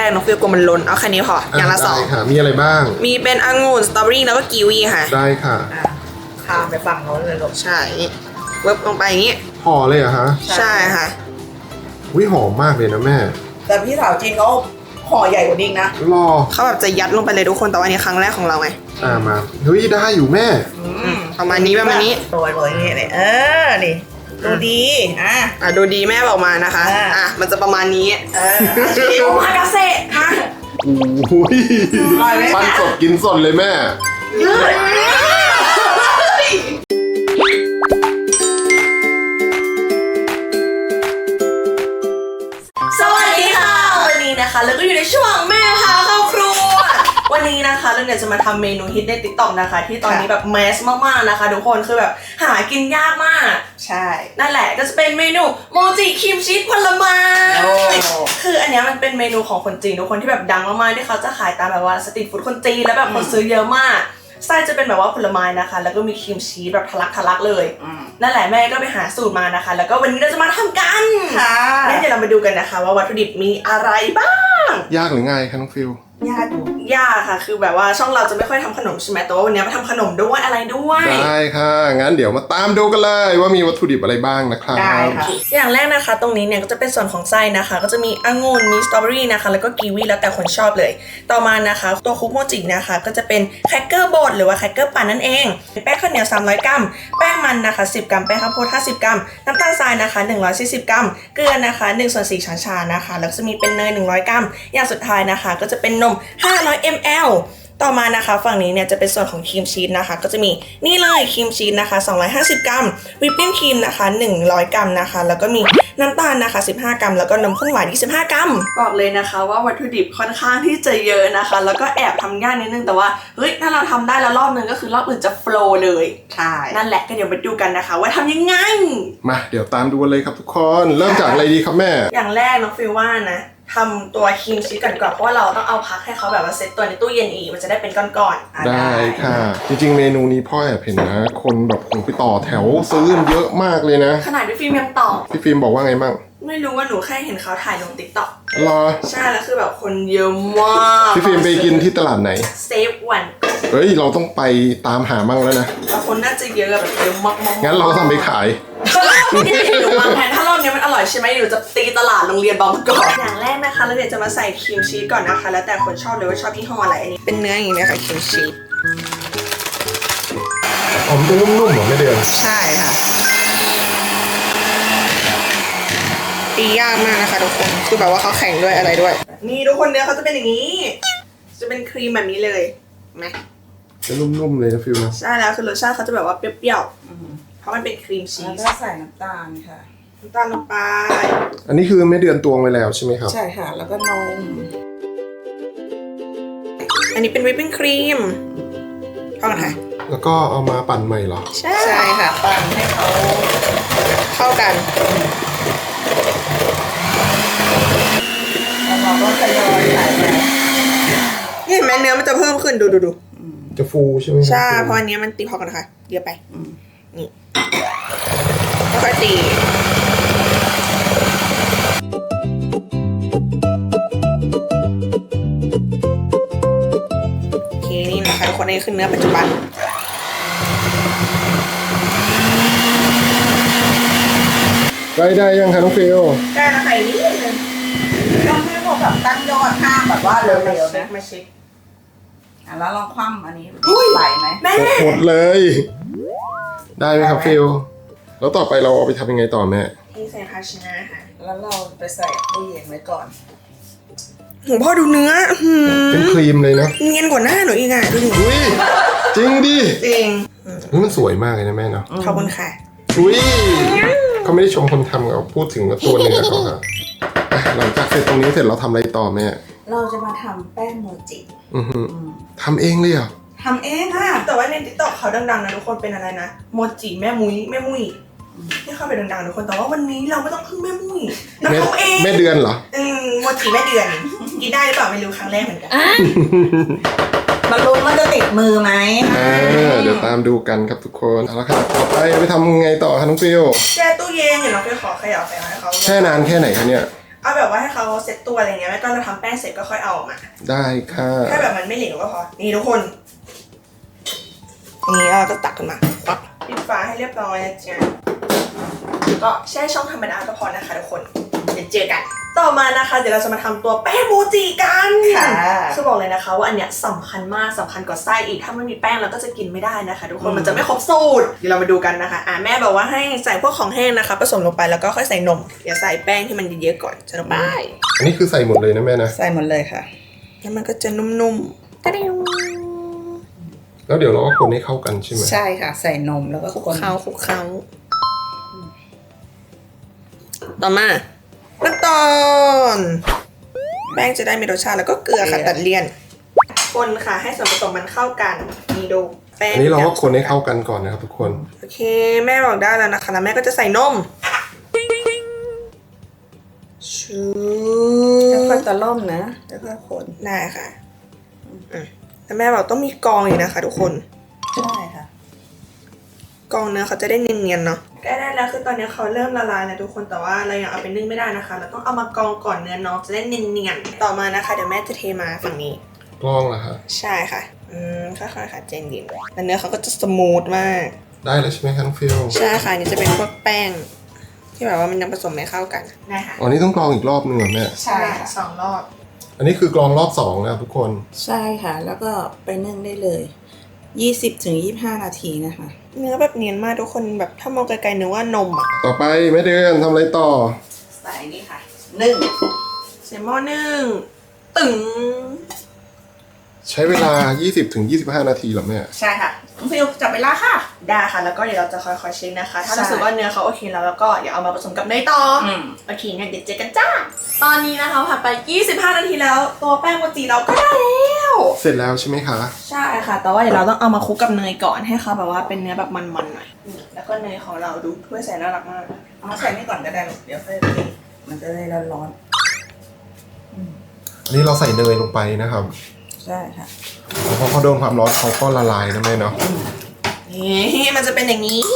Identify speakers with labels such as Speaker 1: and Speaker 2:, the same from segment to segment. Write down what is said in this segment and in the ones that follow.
Speaker 1: กน้องฟิลกลัวมันล้นเอาแค่นี้พออย่างละ2
Speaker 2: ค่ะมีอะไรบ้าง
Speaker 1: มีเป็นองุ่นสตรอเบอรี่แล้วก็กีวีค่ะ
Speaker 2: ได้ค่ะ
Speaker 3: ข้ามไปฝั่งโน้นเลยลูก
Speaker 1: ใช่เวิร์บลงไปอย่างนี้
Speaker 2: ห่อเลยเหรอคะ
Speaker 1: ใช่ค่ะ
Speaker 2: วิหอมมากเลยนะแม่
Speaker 3: แต่พี่สาวจีนเขาห่อใหญ่กว่านี้นะ
Speaker 2: รอ
Speaker 1: เขาแบบจะยัดลงไปเลยทุกคนแต่ว่านี้ครั้งแรกของเราไง
Speaker 2: มาเฮ้ยได้อยู่แม่
Speaker 1: ประมาณนี้
Speaker 3: ตัวนี้เลยนี่ดูดี
Speaker 1: ดูดีแม่บอกมานะคะมันจะประมาณนี้
Speaker 3: โอมากาเซ่มา
Speaker 2: โอ้ยปั้นสดกินสดเลยแม่
Speaker 1: สวัสดีค่ะวันนี้นะคะแล้วก็อยู่ในช่วงแม่พาเข้าครัววันนี้นะคะเราเนี่ยจะมาทำเมนูฮิตใน TikTok นะคะที่ตอนนี้แบบแมสมากๆนะคะทุกคนคือแบบหากินยากมาก
Speaker 3: ใช่
Speaker 1: นั่นแหละก็จะเป็นเมนูโมจิครีมชีสผลไม้คืออันนี้มันเป็นเมนูของคนจีนทุกคนที่แบบดังมากๆที่เขาจะขายตามแบบว่าสตรีทฟู้ดคนจีนแล้วแบบคนซื้อเยอะมากไส้จะเป็นแบบว่าผลไม้นะคะแล้วก็มีครีมชีสแบบทะลักเลยนั่นแหละแม่ก็ไปหาสูตรมานะคะแล้วก็วันนี้เราจะมาทำกัน
Speaker 3: ค่ะ
Speaker 1: งั้นเดี๋ยวเรามาดูกันนะคะว่าวัตถุดิบมีอะไรบ้าง
Speaker 2: ยากหรือง่ายคะน้องฟิล
Speaker 1: ยากค่ะคือแบบว่าช่องเราจะไม่ค่อยทำขนมใช่ไหมแต่ว่าวันนี้มาทำขนมด้วยอะไรด้วย
Speaker 2: ได้ค่ะงั้นเดี๋ยวมาตามดูกันเลยว่ามีวัตถุดิบอะไรบ้างนะครับ
Speaker 3: ได้ค่ะ
Speaker 1: อย่างแรกนะคะตรงนี้เนี่ยก็จะเป็นส่วนของไส้นะคะก็จะมีองุ่นมีสตรอเบอรี่นะคะแล้วก็กีวีแล้วแต่คนชอบเลยต่อมานะคะตัวคุกโมจินะคะก็จะเป็นแครกเกอร์บดหรือว่าแครกเกอร์ปั่นนั่นเองแป้งข้าวเหนียว300 กรัมแป้งมันนะคะ10 กรัมแป้งข้าวโพด50 กรัมน้ำตาลทรายนะคะ140 กรัมเกลือนะคะ1/4 ช้อนชานะคะแล้วจะมีเป็นเนย100 กรัมอย่างสุดท้ายนะคะก็จะเป็นนม500 ml ต่อมานะคะฝั่งนี้เนี่ยจะเป็นส่วนของครีมชีสนะคะก็จะมีนี่เลยครีมชีสนะคะ250 กรัมวิปปิ้งครีมนะคะ100 กรัมนะคะแล้วก็มีน้ำตาลนะคะ15 กรัมแล้วก็นมข้นหวาน25 กรัมบอกเลยนะคะว่าวัตถุดิบค่อนข้างที่จะเยอะนะคะแล้วก็แอบทำยากนิดนึงแต่ว่าเฮ้ยถ้าเราทำได้แล้วรอบนึงก็คือรอบอื่นจะโฟลว์เลย
Speaker 3: ใช่
Speaker 1: นั่นแหละก็เดี๋ยวมาดูกันนะคะว่าทำยังไง
Speaker 2: มาเดี๋ยวตามดูเลยครับทุกคนเริ่มจากอะไรดีครับแม่
Speaker 1: อย่างแรกน้องฟิลว่านะทำตัวครีมชีสกันก่อนเพราะว่าเราต้องเอาพักให้เขาแบบว่าเซตตัวในตู้เย็นอีกมันจะได้เป็นก้อน
Speaker 2: ๆได้ค่ะจริงๆเมนูนี้พ่อแอบเห็นนะคนแบบคงไปต่อแถวซื้อเยอะมากเลยนะ
Speaker 1: ขนาดพี่ฟิล์มยังต่อ
Speaker 2: พี่ฟิล์มบอกว่าไงบ้าง
Speaker 1: ไม่รู้ว่าหนูแค่เห็นเขาถ่ายลง TikTok
Speaker 2: รอ
Speaker 1: ใช่แล้วคือแบบคนเยอะมาก
Speaker 2: พี่ฟิล์มไปกินที่ตลาดไหน
Speaker 1: เซฟวัน
Speaker 2: เฮ้ยเราต้องไปตามหามั่งแล้วนะ
Speaker 1: แต่คนน่าจะเยอะแบบเยอะมาก
Speaker 2: ๆงั้นเราทำไปขาย
Speaker 1: หนูวางแผนถ้ารอบนี้มันอร่อยใช่ไหมหนูจะตีตลาดโรงเรียนบางกอกอย่างแรกนะคะเราเดี๋ยวจะมาใส่ครีมชีสก่อนนะคะแล้วแต่คนชอบเลยว่าชอบยี่ห้ออะไรอันนี้เป็นเนื้ออย่างนี้ค่ะครีมชีส
Speaker 2: มันจะนุ่มๆเหรอไม่เดือน
Speaker 1: ใช่ค่ะตียากมากนะคะทุกคนคือแบบว่าเขาแข่งด้วยอะไรด้วยนี่ทุกคนเนื้อเขาจะเป็นอย่างนี้จะเป็นครีมแบบนี้เลยไหม
Speaker 2: จะนุ่มๆเลยนะฟิลนะ
Speaker 1: ใช่แล้วคือรสชาติเขาจะแบบว่าเปรี้ยวๆเพราะมันเป็นครีมชีส
Speaker 3: แล้วก็ใส่น้ำตาลค่ะ
Speaker 1: น้ำตาลลงไป
Speaker 2: อันนี้คือไม่เดือนตวงไว้แล้วใช่ไหมครับ
Speaker 3: ใช่ค่ะแล้วก็นม
Speaker 1: อันนี้เป็นวิปปิ้งครีมพอกันค่ะ
Speaker 2: แล้วก็เอามาปั่นใหม่เหรอ
Speaker 1: ใช่ค่ะ
Speaker 3: ปั่นให้เขา
Speaker 1: เข้ากัน
Speaker 3: แล้วเราก็ทยอยใส่ไป
Speaker 1: นี่เห็นไหมเนื้อมันจะเพิ่มขึ้นดู
Speaker 2: จะฟูใช่ไหม
Speaker 1: ใช่เพราะอันนี้มันตีพอกันค่ะเยอะไปนี่ค่อยตีโอเคนี่นะคะทุกคนนี่คือเนื้อปัจจุบัน
Speaker 2: ได้ยังคะน้องฟิล
Speaker 1: ได้แล้วค่ะนิดนึง
Speaker 3: ต้องให้พวกแบบตั้งยอดข้างแบบว่าเร็วๆนะ
Speaker 1: มาเช็ค
Speaker 3: แล้วลองคว่ำอันนี้ไหลไหม
Speaker 1: แม่
Speaker 2: หมดเลยได้ไหมครับฟิลแล้วต่อไปเราเอาไปทำยังไงต่อแม่
Speaker 1: ที่ใส่ภาชนะค่ะ
Speaker 3: แล้วเราไปใส่ตู้เย็นไว้ก่อน
Speaker 1: โหพ่อดูเนื้อ
Speaker 2: เป็นครีมเลยนะ
Speaker 1: เนียนกว่าหน้าหนูอีกอ่ะดูดิ
Speaker 2: อุ้ยจริงดิ
Speaker 1: จริง
Speaker 2: นี่มันสวยมากเลยนะแม่เนาะ
Speaker 1: ขอบคุณค่ะ
Speaker 2: อุ้ยเขาไม่ได้ชมคนทำเขาพูดถึงตัวเนื้อเขาค่ะหลังจากเสร็จตรงนี้เสร็จเราทำอะไรต่อแม่
Speaker 3: เราจะมาทำแป้งโมจิ
Speaker 2: ทำเองเลยเหรอ
Speaker 3: ทำเองค่ะ
Speaker 1: แต่ว่าใน TikTok เขาดังๆนะทุกคนเป็นอะไรนะโมจิแม่มุ้ยที่เข้าไปดังๆทุกคนแต่ว่าวันนี้เราไม่ต้องพึ่งแม่มุ้ยเราทำเอง
Speaker 2: แม่เดือนเหรอ
Speaker 1: โมจิแม่เดือนกินได้หรือเปล่าไม่รู้ครั้งแรกเหมือนกัน
Speaker 3: มาลุ้นว่าจะติดมือไหม
Speaker 2: เดี๋ยวตามดูกันครับทุกคนเอาละครับต่อไปทำไงต่อคะน้องฟิล
Speaker 1: แช่ตู้เย็นเดี๋ยวน้องฟิลขอขยับไปให้เขา
Speaker 2: แช่นานแค่ไหนคะเนี่ย
Speaker 1: เอาแบบว่าให้เขาเซ็ตตัวอะไรเงี้ยแล้วก็เราทำแป้งเสร็จก็ค่อยเอาออกมา
Speaker 2: ได้ค่ะ
Speaker 1: แค่แบบมันไม่เหลวก็พอนี่ทุกคนนี่เราก็ตักขึ้นมาปั๊บปิดฝาให้เรียบร้อยนะจ๊ะก็แช่ช่องธรรมดาก็พอนะคะทุกคนเดี๋ยวเจอกันต่อมานะคะเดี๋ยวเราจะมาทำตัวแป้งโมจิกันคือบอกเลยนะคะว่าอันเนี้ยสำคัญมากสำคัญกว่าไส้อีกถ้าไม่มีแป้งเราก็จะกินไม่ได้นะคะทุกคนมันจะไม่ครบสูตรเดี๋ยวเรามาดูกันนะคะแม่บอกว่าให้ใส่พวกของแห้งนะคะผสมลงไปแล้วก็ค่อยใส่นมอย่าใส่แป้งที่มันเยอะๆก่อนจะลงไป
Speaker 2: อันนี้คือใส่หมดเลยนะแม่นะ
Speaker 3: ใส่หมดเลยค่ะ
Speaker 1: แล้วมันก็จะนุ่มๆตะเดียว
Speaker 2: แล้วเดี๋ยวเราก็คนให้เข้ากันใช่ไหม
Speaker 3: ใช่ค่ะ ใส่นมแล้วก็
Speaker 1: คลุก
Speaker 3: คน
Speaker 1: เคล้าต่อมาขั้นตอนแป้งจะได้มีรสชาติแล้วก็เกลือค่ะตัดเลี่ยนคนค่ะให้ส่วนผสมมันเข้ากันนี่ดูแป้ง
Speaker 2: อันนี้เราก็คนให้เข้ากันก่อนนะครับทุกคน
Speaker 1: โอเคแม่บอกได้แล้วนะคะแล้วแม่ก็จะใส่นมชู
Speaker 3: แล้วค่อยตะล่อมนะแล้วก็คน
Speaker 1: ได้ค่ะแล้วแม่บอกต้องมีกรองอีกนะคะทุกคน
Speaker 3: ใช่ค่ะ
Speaker 1: กรองเนื้อเขาจะได้เนียนๆเนาะใกล้ได้แล้วคือตอนนี้เขาเริ่มละลายแล้วทุกคนแต่ว่าเรายังเอาไปนึ่งไม่ได้นะคะเราต้องเอามากรองก่อนเนื้อน้องจะได้เนียนๆต่อมานะคะเดี๋ยวแม่จะเทมาฝั่งนี้
Speaker 2: กล้องล่ะฮะ
Speaker 1: ใช่ค่ะค่อยๆค่ะเจนเย็นแล้วเนื้อเขาก็จะสมูทมาก
Speaker 2: ได้แล้วใช่ไหมคะน้องฟิล
Speaker 1: ใช่ค่ะนี่จะเป็นพวกแป้ง ที่แบบว่ามันยังผสมไม่เข้ากันได้ค่ะ
Speaker 2: อ๋อนี่ต้องกรองอีกรอบนึงเหรอแม่
Speaker 3: ใช่ค่ะ
Speaker 1: 2 รอบ
Speaker 2: อันนี้คือกรองรอบ2นะครับทุกคน
Speaker 3: ใช่ค่ะ แล้วก็ไปนึ่งได้เลย20-25 นาทีนะคะ
Speaker 1: เนื้อแบบเนียนมากทุกคนแบบถ้ามองไกลๆนึกว่านมอ่ะ
Speaker 2: ต่อไปแม่เดือนทำอะไรต่อ
Speaker 3: ใส่นี่ค่ะนึ่ง
Speaker 1: ใส่หม้อนึ่งตึง
Speaker 2: ใช้เวลา 20-25 นาทีเหรอแม่
Speaker 3: ใช่ค่ะน้องฟิลจับเวลาค่ะ
Speaker 1: ได้ค่ะแล้วก็เดี๋ยวเราจะค่อยๆเช็คนะคะ ถ้า
Speaker 3: ใช่
Speaker 1: รู้สึกว่าเนื้อเขาโอเคแล้วก็อย่าเอามาผสมกับเนยต่อโอเคงั้นเดี๋ยวเจอกันจ้าตอนนี้นะคะผ่านไป25 นาทีแล้วตัวแป้งโมจิเราก็ได้แล้ว
Speaker 2: เสร็จแล้วใช่ไหมคะ
Speaker 1: ใช่ค่ะ แต่ว่าเดี๋ยวเราต้องเอามาคลุกกับเนยก่อนให้เขาแบบว่าเป็นเนื้อแบบมันๆหน่อยแล้วก็เนยของเราดูถ้วยใส่น่ารักมาก
Speaker 3: เอาใส่นี่ก่อนก็ได้ลูกเดี๋ยวค่อยตีมันจะได้ร้อน
Speaker 2: อันนี้เราใส่เนยลงไปนะครับ
Speaker 3: ๆใช่ค่ะ
Speaker 2: แล้วพอเขาโดนความร้อนเขาก็ละลายนะแม่เนาะ
Speaker 1: นี่มันจะเป็นอย่างนี้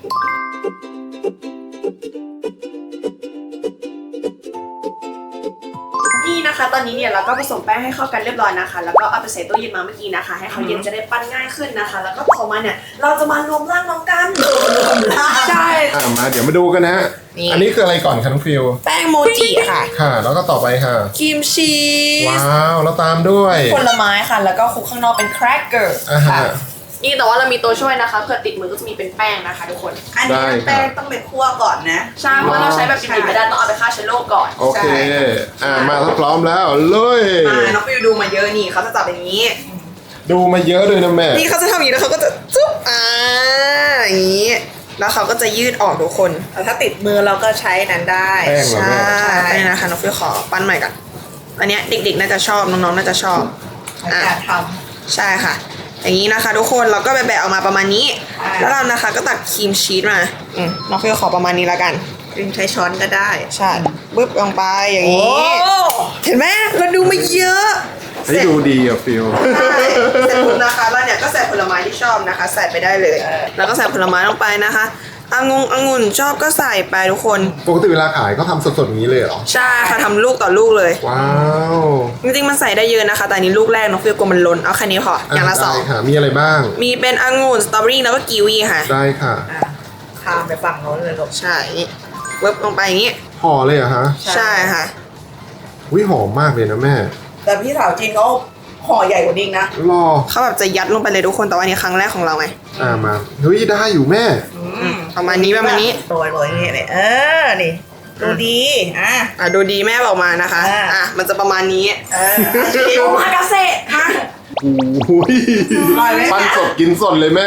Speaker 1: นี่นะคะ ตอนนี้เนี่ยเราก็ผสมแป้งให้เข้ากันเรียบร้อยนะคะ แล้วก็เอาไปใส่ตู้เย็นมาเมื่อกี้นะคะ ให้เขาเย็นจะได้ปั้นง่ายขึ้นนะคะ แล้วก็ต่อมาเนี่ยเราจะมารวมร่างน้องกันใช่
Speaker 2: มาเดี๋ยวมาดูกันนะฮะ
Speaker 1: นี่
Speaker 2: อันนี้คืออะไรก่อนคะน้องฟิล
Speaker 1: แป้งโมจิค่ะ
Speaker 2: ค่ะ แล้วก็ต่อไปค่ะ
Speaker 1: ครีมชีส
Speaker 2: ว้าว แล้วตามด้วย
Speaker 1: ผลไม้ค่ะ แล้วก็คลุกข้างนอกเป็นแครกเกอร์
Speaker 2: อ่าฮะ
Speaker 1: นี่แต่ว่าเรามีตัวช่วยนะคะเผื่อติดมือก็จะมีเป็นแป้งนะคะทุกคน
Speaker 3: อันนี้
Speaker 2: ได้ครับ
Speaker 3: แป้งต้องไปคั่วก่อนนะ
Speaker 1: ใช่เพราะเราใช้แบบดิบๆไม่ได้ต้องเอาไปฆ่าเชื้อโรคก่อน
Speaker 2: โอเค มาถ้าพร้อมแล้วเลย
Speaker 1: น้องฟิวดูมาเยอะนี่เขาจะจับอย่างนี้
Speaker 2: ดูมาเยอะเลยนะแม่
Speaker 1: นี่เขาจะทำอย่างนี้แล้วเขาก็จะจุ๊บอย่างนี้ แล้วเขาก็จะยืดออกทุกคน
Speaker 3: แต่ถ้าติดมือเราก็ใช้นั้นได้
Speaker 2: แป้งเหรอ
Speaker 1: ใช่
Speaker 2: แม่
Speaker 1: ไปนะคะน้องฟิวขอปั้นใหม่ก่อนอันเนี้ยเด็กๆน่าจะชอบน้องๆน่าจะชอบ
Speaker 3: ในการท
Speaker 1: ใช่ค่ะ อย่างนี้นะคะทุกคนเราก็แบะๆออกมาประมาณนี้
Speaker 3: อ่า
Speaker 1: แล้วเรานะคะก็ตักครีมชีสมาน้องฟิวขอประมาณนี้แล้วกัน
Speaker 3: ำดึงใช้ช้อนก็ได้
Speaker 1: ใช่ปึ๊บลงไปอย่างนี้ เห็นไหมเราดูมาเยอะ
Speaker 2: ให้ดูดีอ่ะฟิล
Speaker 1: ใช่เสร็จปุ๊บนะคะแล้วเนี่ยก็ใส่ผลไม้ที่ชอบนะคะ ใส่ไปได้เลย แล้วก็ใส่ผลไม้ลงไปนะคะองุ่นชอบก็ใส่ไปทุกคน
Speaker 2: ปกติเวลาขายเขาทำสดๆอย่างนี้เลยเหรอ
Speaker 1: ใช่ค่ะทำลูกต่อลูกเลย
Speaker 2: ว้าว
Speaker 1: จริงๆมันใส่ได้เยอะนะคะ แต่อันนี้ลูกแรกน้องฟิลกลัวมันล้นเอาแค่นี้พออย่างละ
Speaker 2: ได้ค่ะ มีอะไรบ้าง
Speaker 1: 2มีเป็นองุ่นสตรอเบอรี่แล้วก็กีวีค่ะ
Speaker 2: ได้ค่ะ
Speaker 3: ข้ามไปฝั่งโน้นเลยลูก
Speaker 1: ใช่นี่ปึ๊บลงไปอย่างนี้
Speaker 2: ห่อเลยเหรอฮะ
Speaker 1: ใช่ค่ะ
Speaker 2: วิหอมมากเลยนะแม่
Speaker 3: แต่พี่สาวจีนเขาห่อใหญ่กว่านี้นะ
Speaker 2: รอ
Speaker 1: เขาแบบจะยัดลงไปเลยทุกคนแต่ว่าอันนี้ครั้งแรกของเราไง
Speaker 2: มาเฮ้ยได้อยู่แม่
Speaker 1: ประมาณนี้ประมาณนี้
Speaker 3: โรยอย่างนี้เลยนี่ดูดี
Speaker 1: ดูดีแม่บอกมานะคะ มันจะประมาณนี้โอมากาเซ่มา
Speaker 2: โอ้ย
Speaker 3: อร่อยไหม
Speaker 2: ปั้นสดกินสดเลยแม่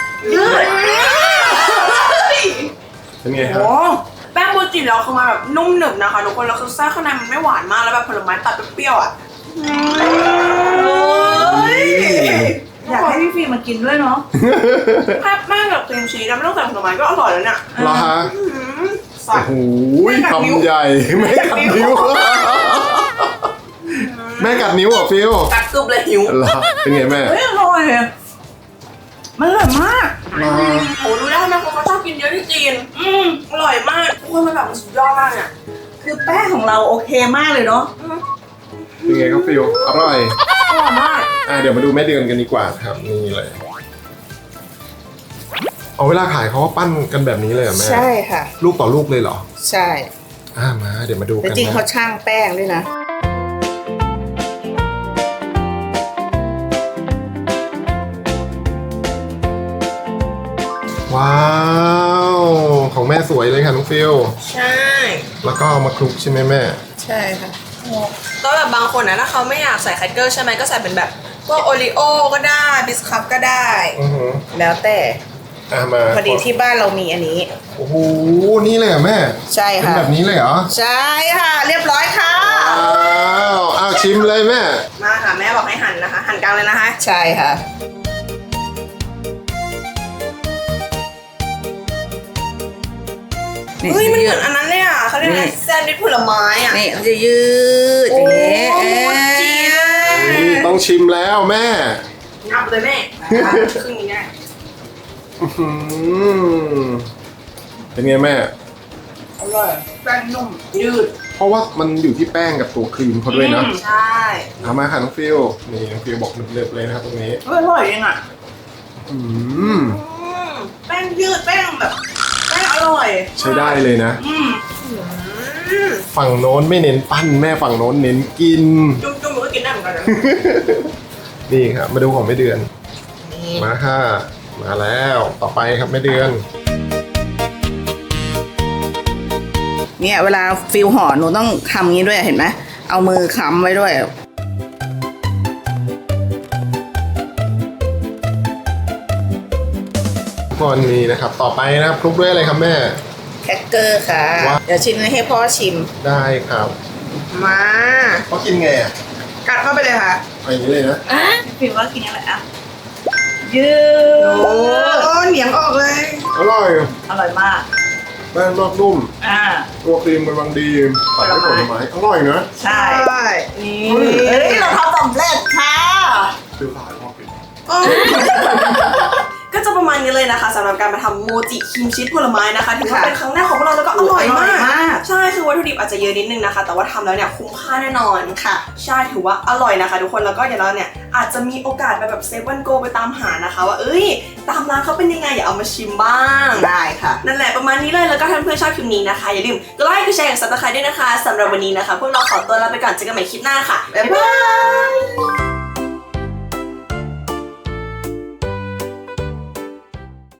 Speaker 2: เป็นไงครับ
Speaker 1: โอ้แป้งโมจิเราคือมาแบบนุ่มหนึบนะคะทุกคนแล้วคือไส้ข้างในมันไม่หวานมากแล้วแบบผลไม้ตัดเปรี้ยวๆอ่ะ
Speaker 3: อยากให้พี่ฟิล์มมากินด้วยเนาะ
Speaker 1: แซ่บมากกับครีมชีสแล้วไม่ต้องใส่ผลไม้ก็อร่อยแล้วเนี่ย
Speaker 2: เหรอฮะ
Speaker 1: ใส่
Speaker 2: โอ้โหคำใหญ่แม่กัดนิ้ว แม่กัดนิ้วเหรอฟิล
Speaker 1: กัดกึบเลยหิว
Speaker 2: เหรอเป็นไงแม่
Speaker 3: เฮ้ยอร่อยมันอร่อยมาก
Speaker 2: เหรอ
Speaker 1: โอ้รู้ได้ไหมคนเขาชอบกินเยอะที่จีนอร่อยมากทุกคนมันแบบมันสุดยอดมากเนี่ย
Speaker 3: คือแป้งของเราโอเคมากเลยเนาะ
Speaker 2: เป็นไงครับฟิลอร่อย
Speaker 1: อร่อยมาก
Speaker 2: เดี๋ยวมาดูแม่เดือนกันดีกว่าครับนี่เลยเอาเวลาขายเขาว่าปั้นกันแบบนี้เลยเหรอแม่
Speaker 3: ใช่ค่ะ
Speaker 2: ลูกต่อลูกเลยเหรอ
Speaker 3: ใช่
Speaker 2: มาเดี๋ยวมาดู
Speaker 3: แต่
Speaker 2: กัน
Speaker 3: จริง
Speaker 2: นะ
Speaker 3: เขาช่างแป้งด้วยนะ
Speaker 2: ว้าวของแม่สวยเลยค่ะน้องฟิล
Speaker 1: ใช่
Speaker 2: แล้วก็เอามาคลุกใช่ไหมแม่
Speaker 3: ใช่ค่ะ
Speaker 1: ก็แบบบางคนนะถ้าเขาไม่อยากใส่แครกเกอร์ใช่ไหมก็ใส่เป็นแบบพวกโอรีโอก็ได้บิสคัพก็ได้
Speaker 2: อือหือ
Speaker 3: แล้วแต่
Speaker 2: มา
Speaker 3: พอดีที่บ้านเรามีอันนี้
Speaker 2: โอ้โหนี่เลยเหรอแม่
Speaker 3: ใช่
Speaker 2: เป็น
Speaker 3: ค่ะ
Speaker 2: แบบนี้เลยเหรอ
Speaker 3: ใช่ค่ะ เรียบร้อยค่ะ
Speaker 2: อ้าวชิมเลยแม่
Speaker 1: มาค่ะแม่บอกให้หั่นนะคะ หั่นกลางเลยนะคะ
Speaker 3: ใช่ค่ะ
Speaker 1: เฮ้ยมันเหมือนอันนั้นเลยอ่ะเขาเรียกอะไรแซนด์วิชผลไม้อ่ะ
Speaker 3: นี่เขาจะยืดอย่างนี้
Speaker 1: โอ้โหจีเลย
Speaker 2: นี่ต้องชิมแล้วแม่
Speaker 1: งับเลยแม่ครึ่งนี้ได้
Speaker 2: อื้อหือเป็นไงแม่
Speaker 3: อร่อยแป้งนุ่มยืด
Speaker 2: เพราะว่ามันอยู่ที่แป้งกับตัวครีมเขาด้วยนะ
Speaker 1: ใช่
Speaker 2: เอามาค่ะน้องฟิลนี่น้องฟิลบอกเล็บๆเลยนะครับตรงนี้
Speaker 3: อร่อยจริงอ่ะ
Speaker 2: อืม
Speaker 3: แป้งยืดแป้งแบบแป้งอร่อย
Speaker 2: ใช้ได้เลยนะ
Speaker 3: อืม
Speaker 2: ฝั่งโน้นไม่เน้นปั้นแม่ฝั่งโน้นเน้นกิน
Speaker 1: จุ่มๆมันก็กินได้เหมือนกันนะ
Speaker 2: นี่ครับมาดูของแม่เดือน มาค่ะ มาแล้วต่อไปครับแม่เดือน
Speaker 3: เนี่ยเวลาฟิลห่อหนูต้องทำงี้ด้วยเห็นไหมเอามือค้ำไว้ด้วย
Speaker 2: ก่อนนี้นะครับ ต่อไปนะครับคลุกด้วยอะไรครับแม่
Speaker 3: แครกเกอร์ค่ะ
Speaker 2: ว้าว
Speaker 3: เดี๋ยวชิมให้พ่อชิม
Speaker 2: ได้ครับ
Speaker 1: มา
Speaker 2: เขากินไงอ่ะ
Speaker 1: กัดเข้าไปเลยค่ะ
Speaker 2: เอาอย่างนี้เลยนะ
Speaker 3: ฟิลว่ากินอะไรอ่ะ ยืด
Speaker 1: โอ้เหนียงออกเลย
Speaker 2: อร่อย
Speaker 3: อร่อยมาก
Speaker 2: แป้งนอกนุ่ม ตัวครีมกำลังดีตัดด้วยผลไม้อร่อยนะ
Speaker 3: ใช่
Speaker 1: นี่
Speaker 3: เฮ้ยเราทำสำเร็จค่ะ
Speaker 2: ซื้อขายพอกิน
Speaker 1: ก็จะประมาณนี้เลยนะคะสำหรับการมาทำโมจิครีมชีสผลไม้นะคะถือว่าเป็นครั้งแรกของพวกเราแล้วก็อร่อยมาก ใช่คือวัตถุดิบอาจจะเยอะนิดนึงนะคะ แต่ว่าทำแล้วเนี่ยคุ้มค่าแน่นอนค่ะ ใช่ถือว่าอร่อยนะคะทุกคนแล้วก็เดี๋ยวเราเนี่ยอาจจะมีโอกาสไปแบบเซฟวันโกไปตามหานะคะ ว่าเอ้ยตามร้านเขาเป็นยังไงอย่าเอามาชิมบ้าง
Speaker 3: ได้ค่ะ
Speaker 1: นั่นแหละประมาณนี้เลยแล้วก็ถ้าเพื่อนชอบคลิปนี้นะคะอย่าลืมกดไลค์กดแชร์กดซับสไครต์ด้วยนะคะสำหรับวันนี้นะคะพวกเราขอตัวลาไปก่อนเจอกันใหม่คลิปหน้าค่ะบ๊ายบาย